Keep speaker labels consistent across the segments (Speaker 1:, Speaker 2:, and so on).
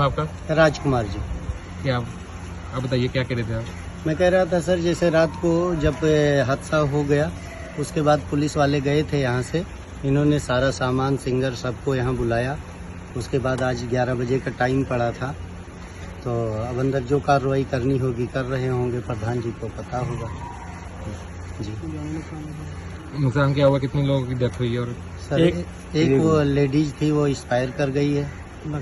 Speaker 1: आपका?
Speaker 2: राजकुमार जी।
Speaker 1: क्या आप बताइए, क्या कह रहे थे आप?
Speaker 2: मैं कह रहा था सर, जैसे रात को जब हादसा हो गया उसके बाद पुलिस वाले गए थे यहाँ से, इन्होंने सारा सामान सिंगर सबको यहाँ बुलाया। उसके बाद आज 11 बजे का टाइम पड़ा था, तो अब अंदर जो कार्रवाई करनी होगी कर रहे होंगे, प्रधान जी को पता होगा जी।
Speaker 1: नुकसान क्या हुआ, कितने लोगों की डेथ हुई है? और
Speaker 2: सर एक वो लेडीज थी, वो एक्सपायर कर गई है।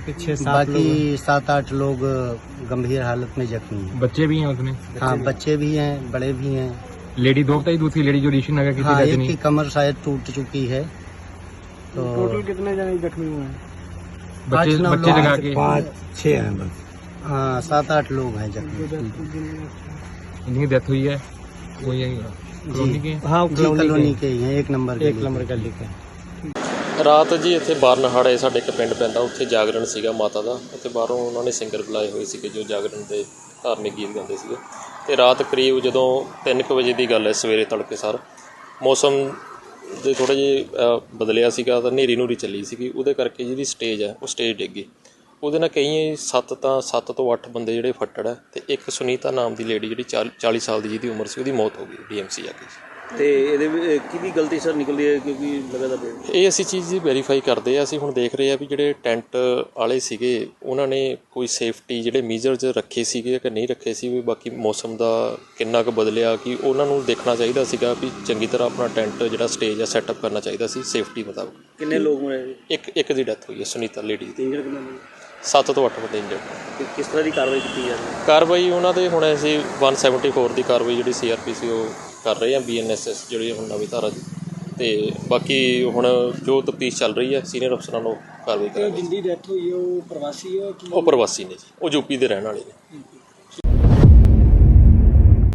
Speaker 2: बाकी 7-8 लोग गंभीर हालत में जख्मी हैं।
Speaker 1: बच्चे भी हैं उसमें?
Speaker 2: हाँ, बच्चे भी हैं, बड़े भी हैं।
Speaker 1: लेडी दो बताई, दूसरी लेडी जो ऋषि नगर की
Speaker 2: हाँ,
Speaker 1: थी,
Speaker 2: एक
Speaker 1: रजनी।
Speaker 2: की कमर शायद टूट चुकी है। तो
Speaker 3: टोटल कितने जने जख्मी हुए हैं?
Speaker 1: बच्चे
Speaker 2: 8-9
Speaker 1: बच्चे
Speaker 2: लोग
Speaker 1: लगा
Speaker 2: हैं।
Speaker 1: के
Speaker 3: 5-6 हैं बस।
Speaker 2: हाँ, 7-8 लोग हैं जख्मी।
Speaker 1: जिनकी डेथ हुई है वो यही कॉलोनी के हैं?
Speaker 3: हाँ,
Speaker 2: जी, कॉलोनी के ही हैं, 1 नंबर
Speaker 3: गली के।
Speaker 4: ਰਾਤ ਜੀ ਇੱਥੇ ਬਾਰਨਹਾੜੇ ਸਾਡੇ ਇੱਕ ਪਿੰਡ ਪੈਂਦਾ, ਉੱਥੇ ਜਾਗਰਣ ਸੀਗਾ ਮਾਤਾ ਦਾ। ਉੱਥੇ ਬਾਹਰੋਂ ਉਹਨਾਂ ਨੇ ਸਿੰਗਰ ਬੁਲਾਏ ਹੋਏ ਸੀਗੇ ਜੋ ਜਾਗਰਣ ਦੇ ਧਾਰਮਿਕ ਗੀਤ ਗਾਉਂਦੇ ਸੀਗੇ। ਅਤੇ ਰਾਤ ਕਰੀਬ ਜਦੋਂ 3 ਕੁ ਵਜੇ ਦੀ ਗੱਲ ਹੈ, ਸਵੇਰੇ ਤੜਕੇ ਸਾਰ ਮੌਸਮ ਦੇ ਥੋੜ੍ਹਾ ਜਿਹਾ ਬਦਲਿਆ ਸੀਗਾ, ਤਾਂ ਹਨੇਰੀ ਨੂਰੀ ਚੱਲੀ ਸੀਗੀ। ਉਹਦੇ ਕਰਕੇ ਜਿਹੜੀ ਸਟੇਜ ਹੈ ਉਹ ਸਟੇਜ ਡਿੱਗ ਗਈ। ਉਹਦੇ ਨਾਲ ਕਈ 7 ਤੋਂ 8 ਬੰਦੇ ਜਿਹੜੇ ਫੱਟੜ ਹੈ, ਅਤੇ ਇੱਕ ਸੁਨੀਤਾ ਨਾਮ ਦੀ ਲੇਡੀ ਜਿਹੜੀ 40 ਸਾਲ ਦੀ ਜਿਹਦੀ ਉਮਰ ਸੀ, ਉਹਦੀ ਮੌਤ ਹੋ ਗਈ DMC ਜਾ ਕੇ।
Speaker 5: ਤੇ ਇਹਦੇ ਕਿਹਦੀ ਗਲਤੀ ਸਰ ਨਿਕਲਦੀ ਹੈ, ਕਿਉਂਕਿ ਲਗਾਤਾਰ
Speaker 4: ਇਹ ਅਸੀਂ ਚੀਜ਼ ਦੀ ਵੈਰੀਫਾਈ ਕਰਦੇ ਹਾਂ। ਅਸੀਂ ਹੁਣ ਦੇਖ ਰਹੇ ਹਾਂ ਵੀ ਜਿਹੜੇ ਟੈਂਟ ਵਾਲੇ ਸੀਗੇ ਉਹਨਾਂ ਨੇ ਕੋਈ ਸੇਫਟੀ ਜਿਹੜੇ ਮੀਜ਼ਰਜ਼ ਰੱਖੇ ਸੀਗੇ ਕਿ ਨਹੀਂ ਰੱਖੇ ਸੀ। ਵੀ ਬਾਕੀ ਮੌਸਮ ਦਾ ਕਿੰਨਾ ਕੁ ਬਦਲਿਆ ਕਿ ਉਹਨਾਂ ਨੂੰ ਦੇਖਣਾ ਚਾਹੀਦਾ ਸੀਗਾ ਵੀ ਚੰਗੀ ਤਰ੍ਹਾਂ ਆਪਣਾ ਟੈਂਟ ਜਿਹੜਾ ਸਟੇਜ ਆ ਸੈਟਅਪ ਕਰਨਾ ਚਾਹੀਦਾ ਸੀ ਸੇਫਟੀ ਮੁਤਾਬਕ।
Speaker 5: ਕਿੰਨੇ ਲੋਕ ਮਰੇ?
Speaker 4: ਇੱਕ ਦੀ ਡੈਥ ਹੋਈ ਹੈ, ਸੁਨੀਤਾ ਲੇਡੀ ਦੀ।
Speaker 5: ਇੰਜਰ ਕਿੰਨੇ?
Speaker 4: 7 ਤੋਂ 8 ਬੰਦੇ ਇੰਜਰਡ।
Speaker 5: ਕਿਸ ਤਰ੍ਹਾਂ ਦੀ ਕਾਰਵਾਈ ਕੀਤੀ ਜਾ ਰਹੀ ਹੈ?
Speaker 4: ਕਾਰਵਾਈ ਉਹਨਾਂ ਦੇ ਹੁਣ ਅਸੀਂ 174 ਦੀ ਕਾਰਵਾਈ ਜਿਹੜੀ CRPC ਉਹ ਕਰ ਰਹੇ ਹਾਂ, BNSS ਜਿਹੜੀ ਹੁਣ ਨਵੀਂ ਧਾਰਾ ਦੀ। ਅਤੇ ਬਾਕੀ ਹੁਣ ਜੋ ਤਫਤੀਸ਼ ਚੱਲ ਰਹੀ ਹੈ, ਸੀਨੀਅਰ ਅਫਸਰਾਂ ਨੂੰ ਕਾਰਵਾਈ ਕਰਾਂਗੇ।
Speaker 3: ਜਿੰਦੀ ਡੈਥ ਹੋਈ ਹੈ ਉਹ ਪ੍ਰਵਾਸੀ ਹੈ?
Speaker 4: ਉਹ ਪ੍ਰਵਾਸੀ ਨੇ ਜੀ, ਉਹ UP ਦੇ ਰਹਿਣ ਵਾਲੇ ਨੇ।